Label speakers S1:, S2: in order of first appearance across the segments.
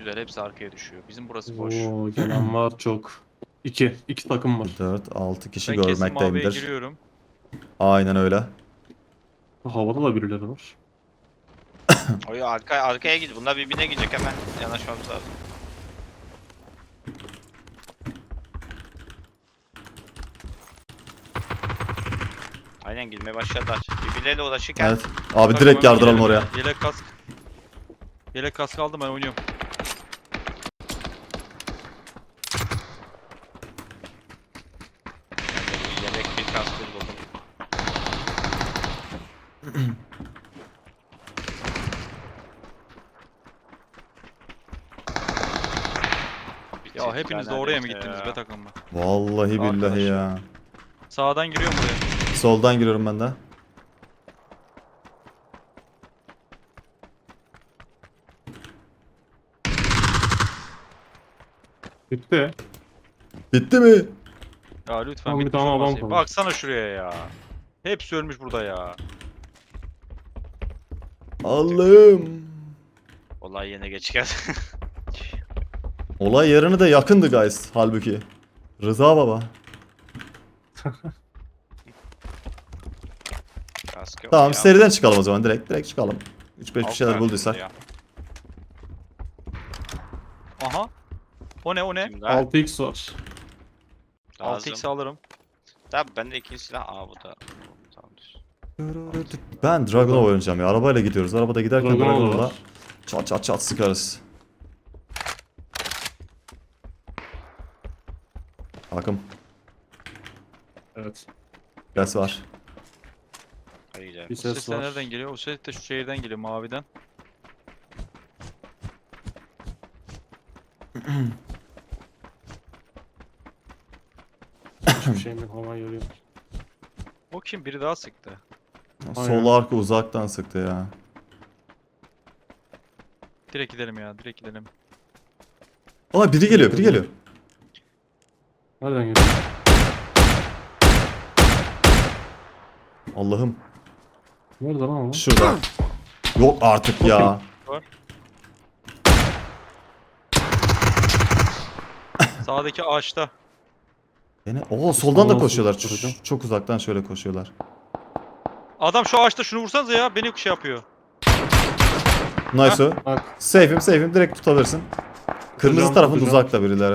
S1: Güzel, hepsi arkaya düşüyor. Bizim burası boş.
S2: Oo, gelen var çok. İki takım var.
S3: 4-6 kişi
S1: Ben kesin maviye
S3: görmekteyimdir.
S1: giriyorum.
S3: Aynen öyle.
S2: Havada da birileri var.
S4: Oy arkaya git. Bunlar birbirine gidecek hemen. Yanaşmamız lazım. Aynen girmeye başladılar. Birbirleriyle uğraşırken
S3: Evet. Abi
S1: Takım
S3: direkt
S1: hemen
S3: yardıralım
S1: yelek-
S3: oraya.
S1: Yelek kask. Yelek kask aldım, ben oynuyorum.
S4: yemek bir kastır buldum.
S1: Ya hepiniz de oraya mı gittiniz be takım mı?
S3: Vallahi billahi
S1: Arkadaşlar.
S3: ya.
S1: Sağdan giriyorum buraya.
S3: Soldan giriyorum ben de.
S2: Bitti.
S3: Bitti mi?
S1: Ya lütfen
S2: Tamam, bir
S1: bitmiş
S2: tane adam
S1: olmasın.
S2: kaldı.
S1: Baksana şuraya ya. Hepsi ölmüş burada ya.
S3: Allah'ım.
S4: Olay yerine geç geldi.
S3: Olay yerine de yakındı guys halbuki. Rıza baba.
S4: Kask yok
S3: Tamam
S4: ya.
S3: seriden çıkalım o zaman direkt çıkalım. 3-5 bir
S4: Alt
S3: şeyler
S4: tarafında
S3: bulduysak.
S4: ya.
S1: Aha. O ne o ne?
S4: Kimde?
S2: 6x var.
S4: Lazım.
S1: 6x alırım.
S4: Tabi bende ikinci silah. Aa bu da. Tamamdır.
S3: Ben Dragunov oynayacağım ya. Arabayla gidiyoruz. Arabada giderken
S2: Dragunov
S3: Dragunov'la
S2: var.
S3: çat çat çat sıkarız. Takım.
S2: Evet.
S3: Ses var.
S4: Hadi gidelim.
S2: Bir
S1: O
S2: ses
S1: ses de
S2: var.
S1: nereden geliyor? O ses de şu şehirden geliyor, maviden.
S2: Hiçbir şeyim yok, hava görüyorum.
S1: O kim? Biri daha sıktı.
S3: Sol arka uzaktan sıktı ya.
S1: Direkt gidelim ya, direkt gidelim.
S3: Aa biri geliyor biri geliyor.
S2: Nereden geliyor?
S3: Allah'ım.
S2: Nerede lan o?
S3: Şurada. Yok artık ya.
S1: Sağdaki ağaçta.
S3: Yine soldan da
S2: Soldan
S3: koşuyorlar.
S2: sıkıştıracağım.
S3: Çok uzaktan şöyle koşuyorlar.
S1: Adam şu ağaçta, şunu vursanıza ya, beni şey yapıyor.
S3: Nice o.
S2: Bak.
S3: Safe'im direkt tutabilirsin. Kırmızı
S2: Tutacağım,
S3: tarafında
S2: tutacağım.
S3: uzakta birileri.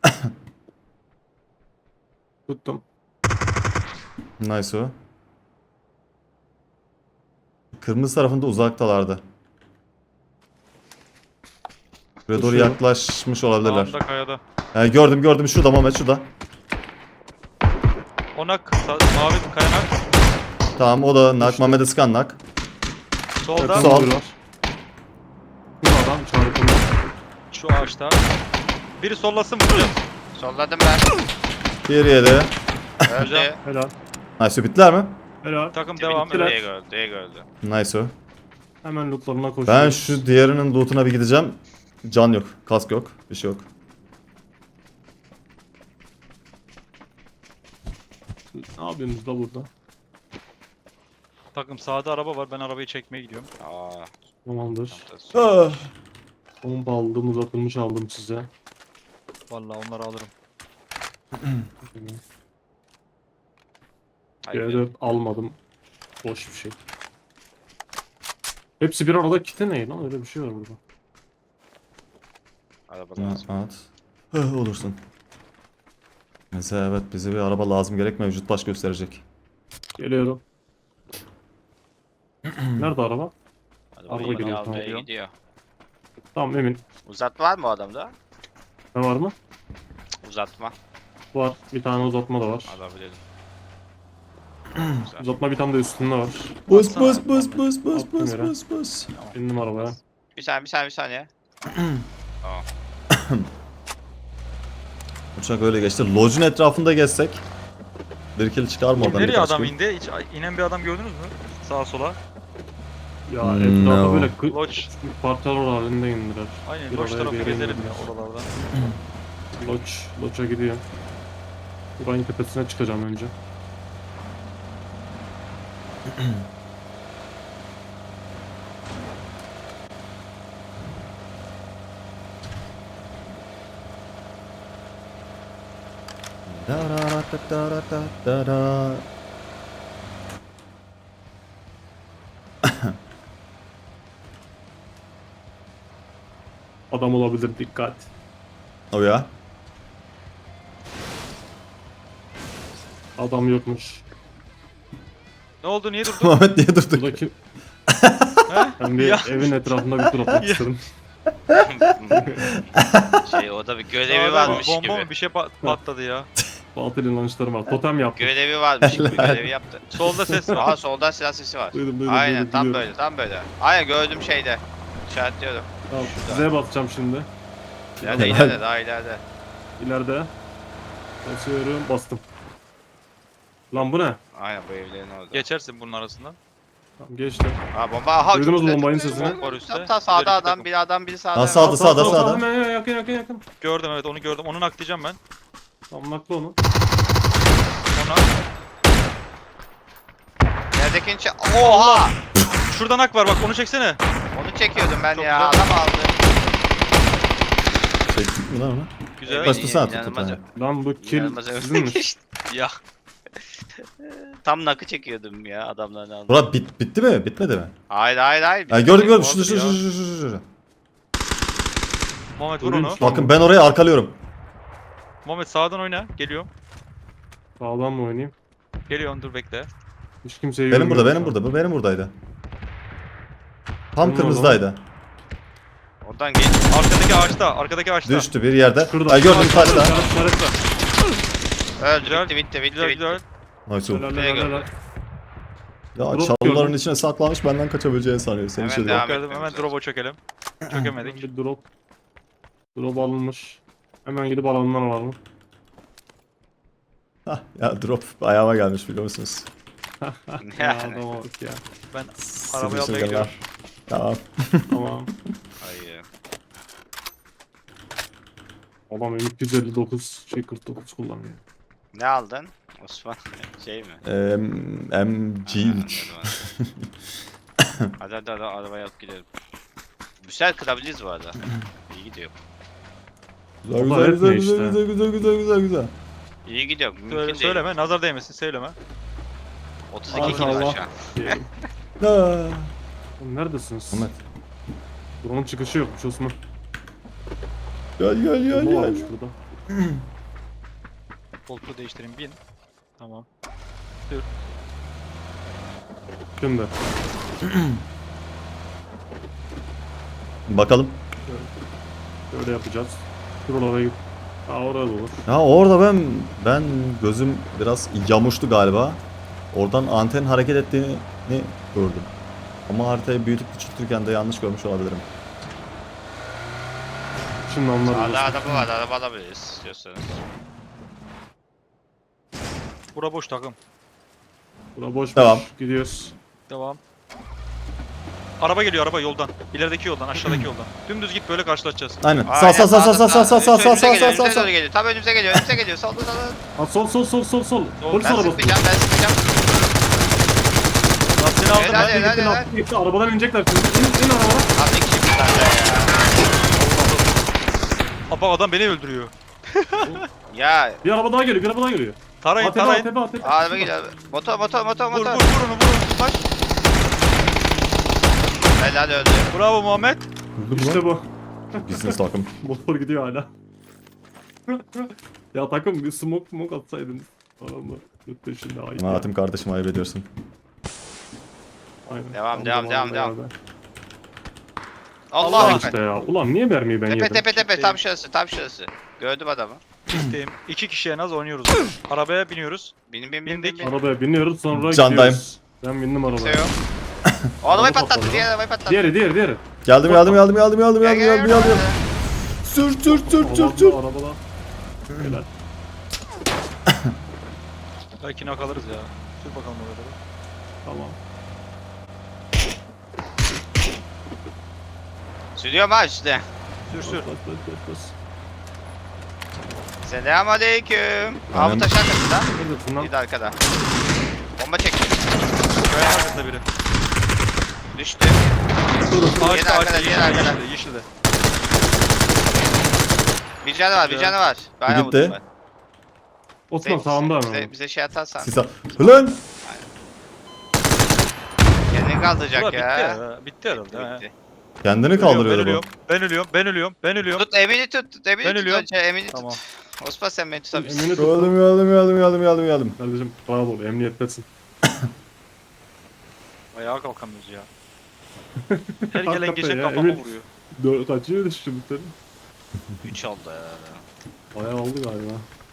S2: Tuttum.
S3: Nice o. Kırmızı tarafında uzaktalardı. Buraya doğru
S2: Koşuyorum.
S3: yaklaşmış olabilirler.
S1: Sağında kayada.
S3: Gördüm şurada Mehmet şurada.
S1: Onak, mavi kayanak.
S3: Tamam o da nak. Mehmet'e sıkan nak.
S1: Solda,
S2: Yakın
S3: Sol.
S2: biri var. Bu adam çarpımda.
S1: şu ağaçta. Biri sollasın, vuracağız.
S4: Solladım ben.
S3: Diğeri yedi.
S4: Öldü.
S2: Helal.
S3: Nice o bittiler mi?
S2: Helal.
S1: Takım devam.
S2: Bittiler.
S1: Evet.
S4: Diye gördü.
S3: Nice o.
S2: Hemen lootlarına koşuyoruz.
S3: Ben şu diğerinin lootuna bir gideceğim. Can yok. Kask yok. Bir şey yok.
S2: Ne yapıyorsunuz da burada?
S1: Takım sağda araba var. Ben arabayı çekmeye gidiyorum.
S4: Aa.
S2: Tamamdır.
S4: Çantası.
S3: Ah.
S2: Bomba aldım, uzatılmış aldım size.
S1: Vallahi onları alırım.
S4: Hayır.
S2: C4 almadım. Boş bir şey. Hepsi bir arada kiti ne lan? Öyle bir şey var burada.
S4: Araba lazım.
S3: At. Olursun. Mesela evet bize bir araba lazım gerek mevcut baş gösterecek.
S2: Geliyorum. Nerede araba?
S4: Araba
S2: Araba
S4: yeni
S2: geliyor,
S4: almaya
S1: tamam.
S4: gidiyor.
S2: Tamam emin.
S4: Uzatma var mı o adamda?
S2: Ne var mı?
S4: Uzatma.
S2: Var. Bir tane uzatma da var.
S4: Alabilirim. Güzel.
S2: Uzatma bir tane de üstünde var.
S3: Bus
S1: Baksana.
S3: bus bus bus bus
S2: Attım
S3: bus
S2: yere.
S3: bus bus.
S2: Bindim arabaya.
S4: Bir saniye. Tamam.
S3: Uçak öyle geçti. Lodge'un etrafında gezsek. Bir kill çıkar mı oradan?
S1: Nereye
S3: birkaç
S1: adam
S3: kill?
S1: indi? Hiç inen bir adam gördünüz mü? Sağa sola.
S2: Ya
S3: No.
S2: etrafta böyle
S1: Lodge.
S2: parçalar halinde indiler.
S1: Aynen,
S2: Bir
S1: Lodge
S2: oraya,
S1: tarafı
S2: bir yere
S1: gezelim
S2: indiler.
S1: ya oralarda.
S2: Lodge'a gidiyor. Buranın tepesine çıkacağım önce.
S3: Dararatatatara.
S2: Adam olabilir, dikkat.
S3: O ya.
S2: Adam yokmuş.
S1: Ne oldu niye durdun?
S3: Muhammed niye durduk?
S2: Buradaki
S1: He?
S2: ben bir
S1: Ya.
S2: evin etrafında bir tur atmak
S1: Ya.
S2: istedim.
S4: Orada bir görevi
S1: Sağda
S4: varmış
S1: bomba
S4: gibi.
S1: mı bir şey patladı ya.
S2: Batıl inançlarım var. Totem yaptım.
S4: Görevi varmış gibi görevi yaptı.
S1: Solda ses var.
S4: Aa soldan silah sesi var.
S2: Duydum,
S4: Aynen
S2: duydum,
S4: tam
S2: biliyorum.
S4: böyle tam böyle. Aynen gördüm şeyde. İşaretliyorum.
S2: Tamam, Z'ye basacağım şimdi.
S4: İleride
S3: Helal.
S4: ileride daha ileride.
S2: İleride. Basıyorum, bastım. Lan bu ne?
S4: Aynen bu evlerin orada.
S1: Geçersin bunun arasından.
S2: Tamam, geçtim.
S4: Aa bomba aha.
S2: Duydunuz
S4: çok
S2: mu
S4: güzel,
S2: bombanın
S4: çok güzel.
S2: sesini?
S1: Var üstte.
S4: Tam sağda
S1: İleri iki
S4: adam
S1: takım.
S4: bir adam biri sağda.
S3: Ha, sağda, sağda,
S2: Sağ,
S3: sağda.
S2: hemen yakın.
S1: Gördüm evet onu gördüm. Onu naklayacağım ben.
S2: Tamam, nakla onu.
S1: Ona.
S4: Neredekini Oha!
S1: Şurada nak var bak onu çeksene.
S4: Onu çekiyordum ben
S1: Çok
S4: ya.
S1: güzel.
S4: Adam aldı.
S3: Çektik mi lan onu?
S1: Güzel.
S3: Baş- Bastırsana tutup
S4: İnanılmaz-
S3: ha.
S2: Lan bu kill
S4: inanılmaz
S2: sizinmiş.
S4: geçti.
S1: Ya.
S4: Tam nakı çekiyordum ya adamların aldı.
S3: Burak bitti mi? Bitmedi mi?
S4: Hayır.
S3: Ha, gördüm
S1: Oldu
S3: şurada
S1: ya.
S3: şurada.
S1: Muhammed vur
S2: Görüyor
S1: onu.
S2: musun?
S3: Bakın ben orayı arkalıyorum.
S1: Muhammed sağdan oyna. Geliyorum.
S2: Sağdan mı oynayayım?
S1: Geliyorum dur bekle.
S2: Hiç kimseyi
S3: Benim burada,
S2: görmüyorum
S3: benim
S2: şu an.
S3: burada. Bu benim buradaydı. Tam
S2: Benim
S3: kırmızıdaydı.
S4: Oradan geç.
S1: Arkadaki ağaçta. Arkadaki ağaçta.
S3: Düştü bir yerde.
S2: Şurada.
S3: Ha, gördüm taşta.
S2: İşaretle.
S4: Öldü
S1: Güzel,
S4: bitti.
S1: Güzel güzel.
S3: Nice oldu.
S2: Helal, helal, helal.
S3: Ya
S2: Drop
S3: çalıların
S2: gördüm.
S3: içine saklanmış benden kaçabileceğini sanıyor. Seni
S4: Hemen
S3: şöyle.
S4: devam
S1: Geldim
S4: etmemiz
S1: hemen
S4: lazım.
S1: drop'a çökelim. Çökemedik.
S2: Bir drop. Drop alınmış. Hemen gidip alanlar var mı?
S3: Hah, ya drop ayağıma gelmiş biliyor musunuz?
S2: Ya
S4: Yani.
S2: adama bak ya.
S1: Ben arabayı almaya
S3: Sivri
S1: gidiyorum.
S3: Tamam.
S2: Tamam.
S4: Hayır.
S2: Adam 259 49 kullanıyor.
S4: Ne aldın? Osman şey mi?
S3: MG3.
S4: Hadi arabaya alıp gidelim. Güzel kırabiliriz bu arada. İyi gidiyor.
S3: Güzel
S2: O da
S3: güzel
S2: hep ne
S3: güzel
S2: işte?
S3: güzel.
S4: İyi gidiyor. Mümkün
S1: Söyle,
S4: değil.
S1: söyleme nazar değmesin söyleme.
S4: 32 kill var
S2: Allah.
S4: şu an.
S2: Diyelim.
S3: Ha.
S2: Oğlum neredesiniz?
S3: Ahmet.
S2: Drone'un çıkışı yokmuş Osman.
S3: Gel.
S2: Bomba varmış burada.
S1: Koltuğu değiştireyim bin. Tamam.
S2: Şimdi.
S3: Bakalım.
S2: Böyle yapacağız. Şuralara git. Aa orada olur.
S3: Ya orada ben gözüm biraz yamuştu galiba. Oradan anten hareket ettiğini gördüm. Ama haritayı büyütüp küçültürken de yanlış görmüş olabilirim.
S2: Şimdi anlarız.
S4: Sağda araba var. Araba alabiliriz istiyorsanız.
S1: Bura boş takım.
S2: Bura boş
S3: Tamam.
S2: boş. Gidiyoruz.
S1: Devam. Araba geliyor araba yoldan. İlerideki yoldan aşağıdaki yoldan. Dümdüz git böyle karşılaşacağız.
S3: Aynen.
S4: Aynen,
S3: Sağ.
S4: Önümüze doğru geliyor. Tam önümüze geliyor. Solda.
S2: Ha sol. Polis
S4: Ben
S2: arabası.
S4: sıkmayacağım.
S1: Lastiğini aldım
S4: Helal,
S1: ben.
S4: helal.
S2: Gitti. Arabadan inecekler şimdi. İn arabadan.
S4: Abi iki kişi zaten ya.
S1: Apa adam beni öldürüyor.
S4: Ya
S2: Bir araba daha geliyor.
S1: Tarayın
S2: Atebe.
S1: tarayın.
S4: araba geliyor. Motor.
S1: Vur vur vur. Bak.
S4: Helal öldü.
S1: Bravo Muhammed.
S2: İşte bu.
S3: Business takım.
S2: Motor gidiyor hala. Ya takım bir smoke atsaydınız. Adamı yurt dışında ayıp ya.
S3: Hayatım kardeşim ayıp ediyorsun.
S2: Aynen.
S4: Devam.
S2: beraber.
S4: Allah
S2: Allah
S4: ekber.
S2: işte ya. Ulan niye mermiyi ben yedim?
S4: Tepe tam şurası. Gördüm adamı.
S1: Gittim. 2 kişi en az oynuyoruz. Arabaya biniyoruz.
S4: Bin.
S2: Arabaya biniyoruz sonra
S3: Candayım.
S2: gidiyoruz. Ben bindim arabaya.
S4: Kimse yok. O arabayı
S2: Araba
S4: patlattı.
S2: patladı.
S4: Diğer arabayı patlattı.
S2: Diğeri.
S3: Geldim.
S4: Gel.
S3: Sür.
S2: Arabada. Helal.
S1: Belki nak alırız ya. Sür bakalım orada.
S2: Tamam.
S4: Sürüyorum ha işte.
S1: Sür.
S2: Bas.
S4: Selamünaleyküm. Abi
S3: Aynen.
S4: taş arkasında.
S2: Neredesin lan?
S4: Bir de arkada. Bomba çekti.
S1: Kaya arkasında biri.
S4: Düştü.
S1: Ağaçta
S4: arkada, diğer arkada.
S1: yeşilde.
S4: Bir canı var.
S1: Güzel.
S4: Bayağı
S3: gitti.
S4: vurdum ben.
S2: Osman sağında
S4: bize,
S2: ama.
S4: bize şey atarsan.
S3: Sisa. Lan!
S4: Kendini kaldıracak
S1: Ulan bitti
S4: ya.
S1: ya. Bitti herhalde.
S4: Bitti,
S1: ha.
S4: bitti.
S3: Kendini
S1: Ölüyorum,
S3: kaldırıyordu
S1: ben
S3: bu.
S1: ölüyorum. Ben ölüyorum. Ben ölüyorum. Ben ölüyorum.
S4: Tut Emin'i tut. Emin'i
S1: Ben
S4: tut
S1: ölüyorum.
S4: önce. Emin'i
S1: Tamam.
S4: tut. Osman sen beni tutabilirsin.
S2: Emin'i tut.
S3: Geldim.
S2: Kardeşim rahat ol, emniyettesin.
S1: Ayağa kalkamıyoruz ya. Her gelen
S2: Hakikaten
S1: geçen
S2: ya,
S1: kafama
S2: Emin.
S1: vuruyor.
S2: Kaçıyor düştü bu senin?
S4: 3 oldu ya.
S2: Bayağı oldu galiba.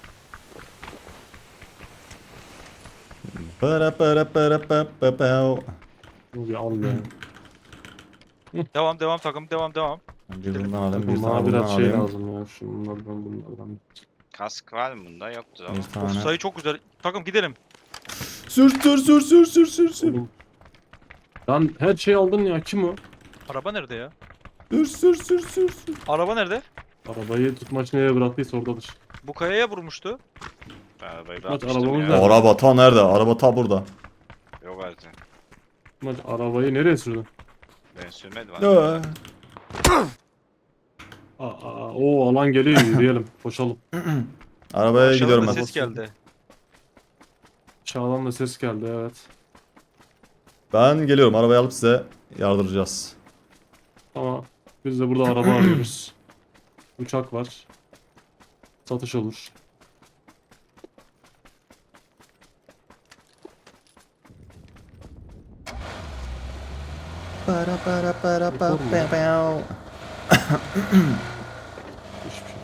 S2: Bunu bir al ya.
S1: Devam takım. Devam.
S3: Bir bundan alayım, bir
S2: Bana
S3: tane bundan
S2: biraz şey
S3: alayım.
S2: lazım ya. Bunlardan.
S4: Kask var mı bunda? Yoktur ama.
S3: Bir
S1: Of,
S3: tane.
S1: sayı çok güzel. Takım gidelim.
S3: Sür.
S2: Oğlum. Lan her şeyi aldın ya. Kim o?
S1: Araba nerede ya?
S3: Sür.
S1: Araba nerede?
S2: Arabayı tutmaç nereye bıraktıysa oradadır.
S1: Bu kayaya vurmuştu.
S4: Arabayı
S2: Bak,
S4: bırakmıştım
S2: arabamız
S4: ya.
S2: nerede?
S3: Araba ta nerede? Araba ta burada.
S4: Yok artık.
S2: Tutmaç arabayı nereye sürdün?
S4: Ben sürmedim.
S3: Ya.
S2: O alan geliyor, yürüyelim. Koşalım.
S3: Arabaya
S1: Aşağıdan
S3: gidiyorum
S1: da
S3: ben.
S1: ses geldi.
S2: Çağdan da ses geldi, evet.
S3: Ben geliyorum. Arabayı alıp size yardıracağız.
S2: Ama biz de burada araba arıyoruz. Uçak var. Satış olur. Hiçbir şey.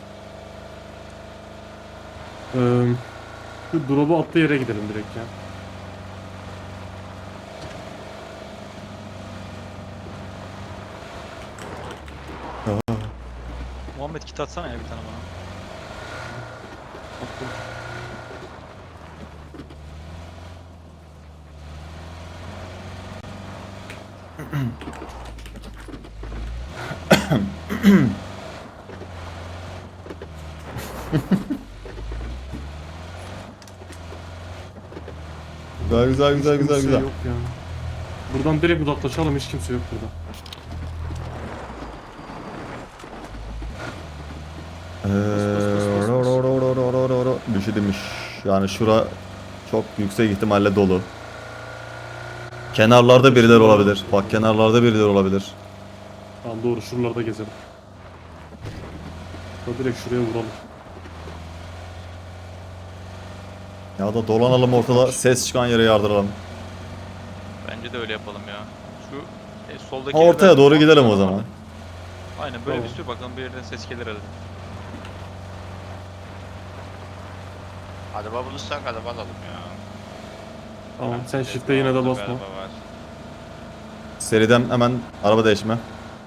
S2: Şu drop'u attığı yere gidelim direkt ya.
S1: Muhammed kit atsana ya bir tane bana.
S2: Attım.
S3: Güzel.
S2: Hiç kimse yok ya. Buradan direkt uzaklaşalım, hiç kimse yok burada.
S3: Bir şey demiş. Yani şura çok yüksek ihtimalle dolu. Kenarlarda birileri olabilir. Bak kenarlarda birileri olabilir.
S2: Tamam doğru, şuralarda gezelim. Da direkt şuraya vuralım.
S3: Ya da dolanalım ortada, ses çıkan yere yardıralım.
S1: Bence de öyle yapalım ya. Şu soldaki
S3: Ha, ortaya
S1: yerden-
S3: doğru gidelim o zaman.
S1: Aynen böyle
S2: Tamam.
S1: bir sür bakalım bir yerden ses gelir herhalde.
S4: Araba bulursak araba alalım ya.
S2: Tamam, sen shift'e yine de basma.
S4: Araba var.
S3: Seriden hemen araba değişme.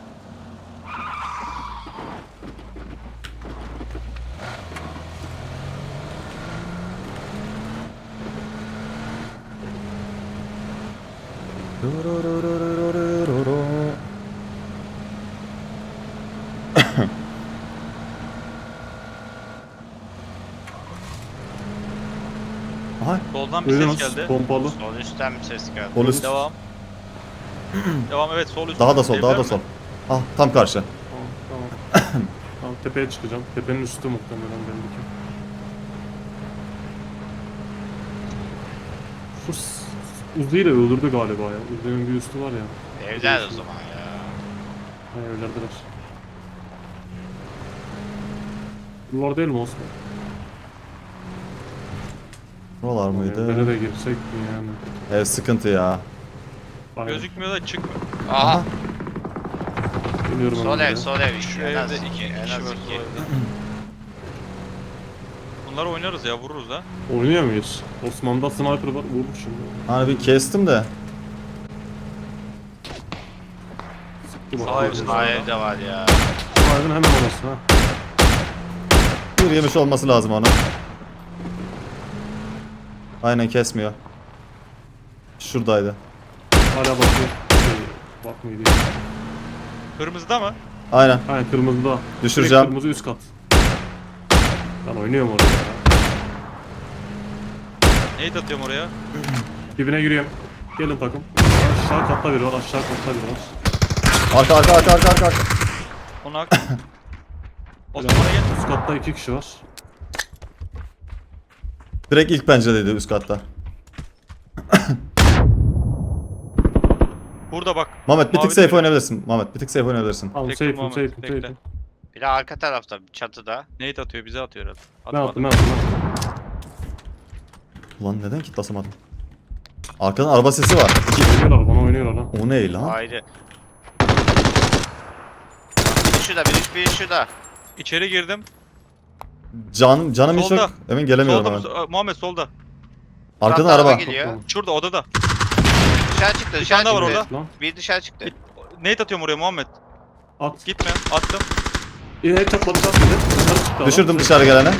S3: Aha,
S1: Soldan bir ses
S2: Duydunuz,
S1: geldi.
S2: pompalı.
S4: Sol üstten bir ses geldi.
S3: polis.
S1: Devam. Devam evet sol üst.
S3: Daha da sol, daha
S1: Evler
S3: da
S1: mi?
S3: sol. Ah, tam karşı.
S2: Tamam. Tamam, tepeye çıkacağım. Tepenin üstü muhtemelen belli ki. Şu Uzi ile öldürdü galiba ya. Uzi'nin bir üstü var ya.
S4: Evler o zaman ya.
S2: Ha, evlerdeler. Bunlar değil mi Osman?
S3: Buralar
S2: Evlere
S3: mıydı?
S2: de girsek mi yani?
S3: Ev sıkıntı ya.
S2: Aynen.
S1: Gözükmüyor da çıkmıyor.
S4: Aha.
S2: Geliyorum
S4: Sol
S2: hemen
S4: ev,
S2: buraya.
S4: sol ev.
S1: Şu
S4: En az
S1: evde
S4: iki,
S1: iki
S4: en
S1: kişi
S4: az
S1: var. sol
S4: iki.
S1: evde. Bunları oynarız ya vururuz ha.
S2: Oynuyor muyuz? Osman'da sniper var. Vurur şimdi.
S3: Hani bir kestim de.
S2: Sıktı bak.
S1: Sağ evde.
S4: Sağ evde var ya.
S2: Sniper'ın hemen orası ha.
S3: Bir yemiş olması lazım onu. Aynen kesmiyor. Şuradaydı.
S2: Hala bakıyor. Bakmıyor değil.
S1: Kırmızıda mı?
S3: Aynen.
S2: Aynen kırmızıda.
S3: Düşüreceğim.
S2: Direkt kırmızı üst kat. Ben oynuyorum orada ya.
S1: Nade atıyorum oraya.
S2: Dibine giriyorum. Gelin takım. Aşağı katta biri var, aşağı katta biri var.
S3: Arka.
S1: Onu hak. Osman'a gel.
S2: Üst katta 2 kişi var.
S3: Direkt ilk penceredeydi üst katta.
S1: Burada bak.
S3: Mehmet bir tık
S1: Mavi
S3: safe
S1: de-
S3: oynayabilirsin. Mehmet bir tık safe oynayabilirsin.
S2: Tamam
S1: Bekle
S2: safe'im
S1: Muhammed,
S2: safe'im
S1: bekle.
S2: safe'im.
S4: Bir de arka tarafta çatıda.
S1: Nate atıyor bize atıyor herhalde.
S2: Ben attım
S1: Atmadı.
S2: ben attım.
S3: Ulan neden kitlasamadım? Arkadan araba sesi var.
S2: Oynuyorlar bana oynuyorlar lan.
S3: O ne lan?
S4: Ayrı. Biri şurada, biri şurada.
S1: İçeri girdim.
S3: Canım hiç
S1: Solda.
S3: yok. Emin gelemiyorum
S1: Solda
S3: hemen.
S1: Muhammed solda.
S3: Arkadan
S4: Murat
S3: araba.
S4: geliyor.
S1: Şurada odada.
S4: Dışarı çıktı,
S1: Bir
S4: dışarı
S1: tane daha var
S4: çıktı.
S1: orada.
S2: Lan
S4: Bir dışarı çıktı.
S1: Nate atıyorum oraya Muhammed.
S2: at.
S1: Gitme. Attım.
S2: Hep çatladı çatladı. Dışarı çıktı adam.
S3: Düşürdüm dışarı gelene.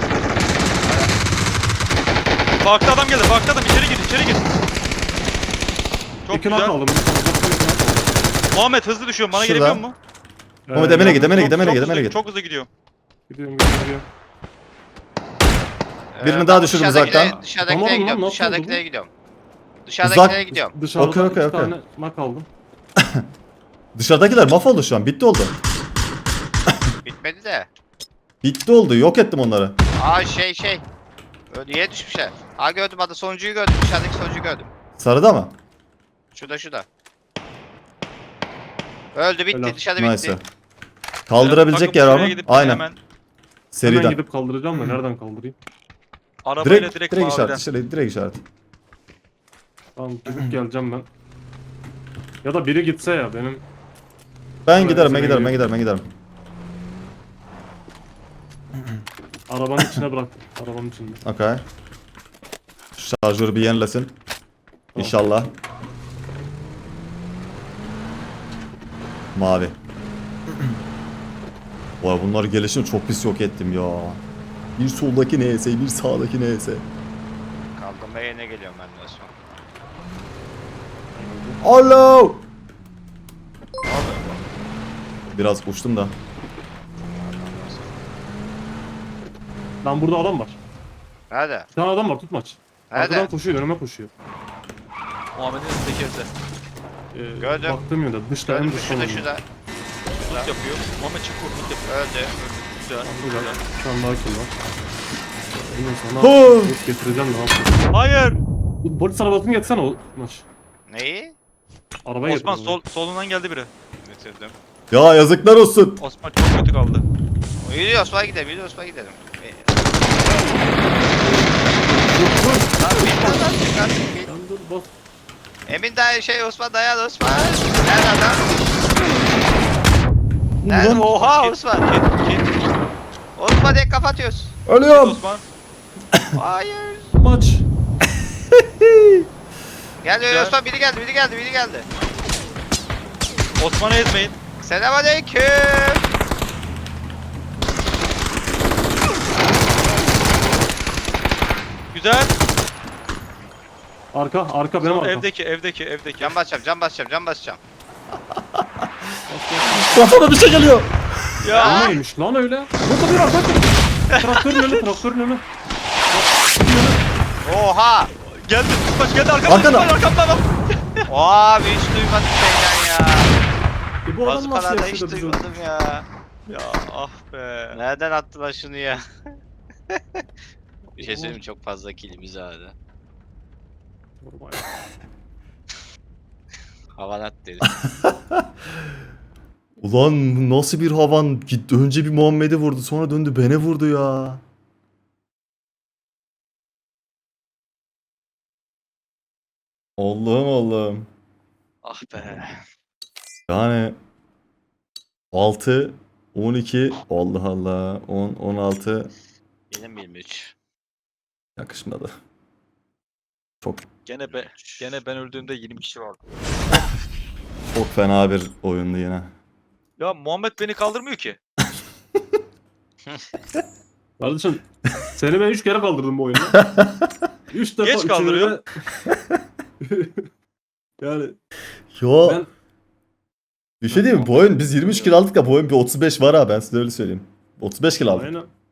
S1: Farklı adam geldi. Farklı adam. İçeri gir. İçeri gir. Çok
S2: İki
S1: güzel.
S2: knock aldım.
S1: Muhammed hızlı düşüyorum. Bana
S3: Şurada.
S1: gelebiliyor mu?
S3: Mehmet Emin'e git, Emin'e git,
S1: Çok
S3: Emin'e git,
S1: hızlı-
S3: Emin'e git.
S1: Çok hızlı gidiyorum.
S2: Gidiyorum.
S3: Birini daha düşürdüm uzaktan.
S4: Dışarıdakilere
S2: Tamam lan,
S4: gidiyorum,
S2: nasıl
S4: dışarıdakilere
S2: oldu
S4: gidiyorum. Dışarıdakilere
S3: Uzak-
S4: gidiyorum.
S2: Dışarıda
S3: Okey, okey,
S2: iki
S3: okey.
S2: tane knock aldım.
S3: Dışarıdakiler mahvoldu şu an. Bitti oldu.
S4: Bitmedi de.
S3: Bitti oldu. Yok ettim onları.
S4: Aa şey. Öyle düşmüşler. Aa gördüm adı sonuncuyu gördüm. Dışarıdaki sonuncuyu gördüm.
S3: Sarıda mı?
S4: Şurada. Öldü bitti
S2: Helal.
S4: dışarıda
S3: Neyse.
S4: bitti.
S3: Kaldırabilecek
S1: Takım
S3: yer var
S1: şuraya
S3: mı?
S1: gidip
S3: Aynen.
S1: Hemen
S2: Hemen
S3: Seriden.
S2: gidip kaldıracağım da nereden kaldırayım?
S1: arabayla
S3: Direkt,
S1: direkt
S3: direkt
S1: maviden.
S3: işaret. Direkt işaret.
S2: Tamam gidip geleceğim ben. Ya da biri gitse ya benim.
S3: Ben
S2: Evet,
S3: giderim, ben
S2: sen
S3: giderim, ben
S2: gidiyor.
S3: giderim, ben giderim.
S2: Arabanın içine bırak. Arabanın içinde.
S3: Okay. Şarjörü bir yenilesin. İnşallah. Mavi. Vay bunlar gelişini çok pis yok ettim ya. Bir soldaki neyse, bir sağdaki neyse.
S4: Kaldırma yerine geliyorum ben de son.
S3: Alo. Biraz uçtum da.
S2: Lan burada adam var.
S4: Nerede?
S2: Bir tane adam var tutmaç. Arkadan
S4: Nerede?
S2: koşuyor önüme koşuyor.
S1: Muhammed'in tekerse.
S4: Gördüm.
S2: Baktığım yönde dışta en
S4: Gördüm
S2: dışta.
S4: şurada.
S1: Tut yapıyor. Muhammed çık vur. Tut yapıyor.
S4: Öldü.
S1: Güzel.
S2: Burada
S1: Güzel.
S2: şu an daha kim var? Ondan sonra
S3: Ho!
S2: yok getireceğim de ne yapayım.
S1: Hayır.
S2: Bu polis arabasını getirsene o maç.
S4: Neyi?
S2: Arabaya
S1: Osman
S2: getir.
S1: solundan geldi biri.
S4: Bitirdim.
S3: Ya yazıklar olsun.
S1: Osman çok kötü kaldı.
S4: Yürü Osman'a gidelim, yürü Osman'a gidelim. Lan bir tane daha çık artık, bir.
S2: Lan dur bas.
S4: Emin dayan Osman dayan Osman. Nerede adam? Nerede?
S3: Ulan.
S4: Oha Osman.
S1: Kit.
S4: Osman diye kapatıyoruz.
S3: Ölüyorum.
S1: Osman.
S4: Hayır.
S2: Maç.
S4: Geldi
S1: Güzel.
S4: Osman biri geldi.
S1: Osman'ı ezmeyin.
S4: Selamünaleyküm.
S1: Güzel.
S2: Arka benim arkam.
S1: Evdeki.
S4: Can basacağım.
S3: Kafama bir şey geliyor.
S1: Ya.
S2: O neymiş lan öyle? Burada bir arka. Traktörün önü.
S4: Oha.
S1: Geldi. Tutmaç geldi arkamda.
S3: Arkada.
S1: Arkamda adam.
S4: Abi hiç duymadım senden ya.
S2: Bu adam nasıl
S4: Bazukalarda hiç
S2: yaşadı bizi?
S4: duymadım ya.
S1: Ya ah be.
S4: Nereden attılar şunu ya? Bir şey söyleyeyim mi? Çok fazla kilimiz vardı. Havanat dedi.
S3: Ulan bu nasıl bir havan? Gitti önce bir Muhammed'i vurdu sonra döndü beni vurdu ya. Allah'ım.
S4: Ah be.
S3: Yani 6, 12, Allah Allah, 10, 16
S4: Benim 23.
S3: yakışmadı. Çok
S1: Gene ben öldüğümde 20 kişi vardı.
S3: çok fena bir oyundu yine.
S1: Ya Muhammed beni kaldırmıyor ki.
S2: Kardeşim seni ben 3 kere kaldırdım bu oyunda. 3 defa
S1: Geç kaldırıyor.
S2: Yani
S3: Yo
S2: ben
S3: bir şey diyeyim mi? Bu oyun biz 23 kill aldık da bu oyun bir 35 var ha ben size öyle söyleyeyim. 35 kill aldık.
S2: aynen